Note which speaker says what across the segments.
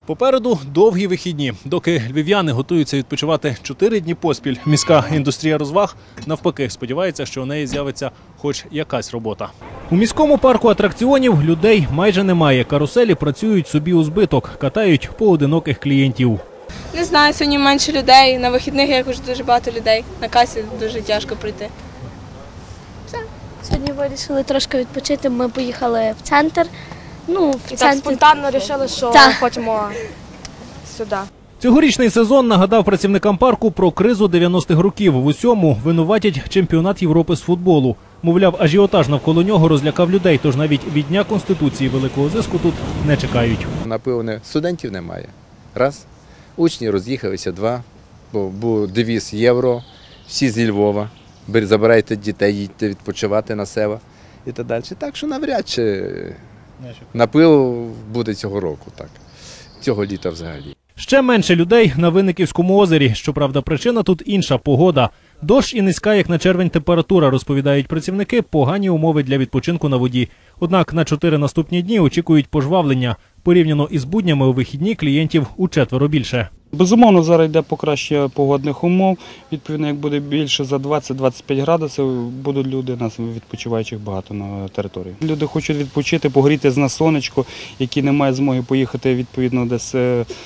Speaker 1: Попереду довгі вихідні. Доки львів'яни готуються відпочивати 4 дні поспіль, міська індустрія розваг, навпаки, сподівається, що у неї з'явиться хоч якась робота. У міському парку атракціонів людей майже немає. Каруселі працюють собі у збиток, катають поодиноких клієнтів.
Speaker 2: Не знаю, сьогодні менше людей, на вихідних якось дуже багато людей, на касі дуже тяжко прийти.
Speaker 3: Все. Сьогодні вирішили трошки відпочити, ми поїхали в центр.
Speaker 4: Так спонтанно вирішили, що хочемо сюди.
Speaker 1: Цьогорічний сезон нагадав працівникам парку про кризу 90-х років. В усьому винуватять чемпіонат Європи з футболу. Мовляв, ажіотаж навколо нього розлякав людей, тож навіть від Дня Конституції великого зиску тут не чекають.
Speaker 5: Напевне, студентів немає. Раз. Учні роз'їхалися, два. Бо був девіз євро, всі зі Львова. Забирайте дітей, їдьте відпочивати на села і так далі. Так що навряд чи напил буде цього року, так. Цього літа взагалі.
Speaker 1: Ще менше людей на Винниківському озері. Щоправда, причина тут інша – погода. Дощ і низька, як на червень, температура, розповідають працівники, погані умови для відпочинку на воді. Однак на 4 наступні дні очікують пожвавлення. Порівняно із буднями у вихідні клієнтів учетверо більше.
Speaker 6: Безумовно, зараз йде покращення погодних умов. Відповідно, як буде більше за 20-25 градусів, будуть люди, нас відпочиваючих багато на території. Люди хочуть відпочити, погріти на сонечко, які не мають змоги поїхати відповідно десь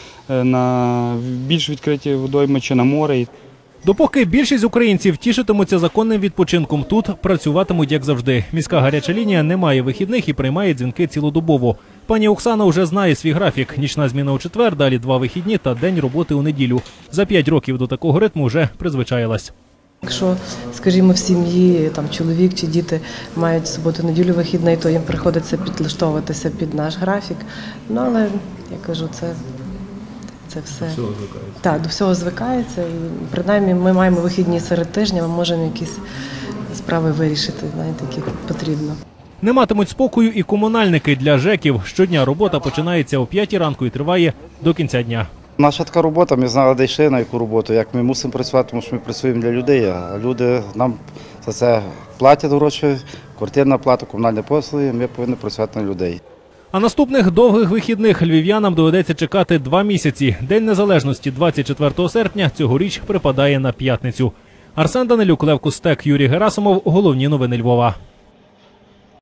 Speaker 6: на більш відкриті водойми чи на море.
Speaker 1: Допоки більшість українців тішитимуться законним відпочинком, тут працюватимуть як завжди. Міська гаряча лінія не має вихідних і приймає дзвінки цілодобово. Пані Оксана вже знає свій графік. Нічна зміна у четвер, далі 2 вихідні та день роботи у неділю. За 5 років до такого ритму вже призвичаїлась.
Speaker 7: Якщо, скажімо, в сім'ї чоловік чи діти мають суботу-неділю вихідний, то їм приходиться підлаштовуватися під наш графік. Але, я кажу, це все. До всього звикається. Так, до всього звикається. І принаймні ми маємо вихідні серед тижня, ми можемо якісь справи вирішити, які потрібно.
Speaker 1: Не матимуть спокою і комунальники. Для ЖЕКів щодня робота починається о 5 ранку і триває до кінця дня.
Speaker 8: Наша така робота, ми знали, де йшли, на яку роботу, як ми мусимо працювати, тому що ми працюємо для людей, а люди нам за це платять гроші, квартирна плата, комунальні послуги, ми повинні працювати на людей.
Speaker 1: А наступних довгих вихідних львів'янам доведеться чекати 2 місяці. День Незалежності 24 серпня цьогоріч припадає на п'ятницю. Арсен Данилюк, Лев Кустек, Юрій Герасимов. Головні новини Львова.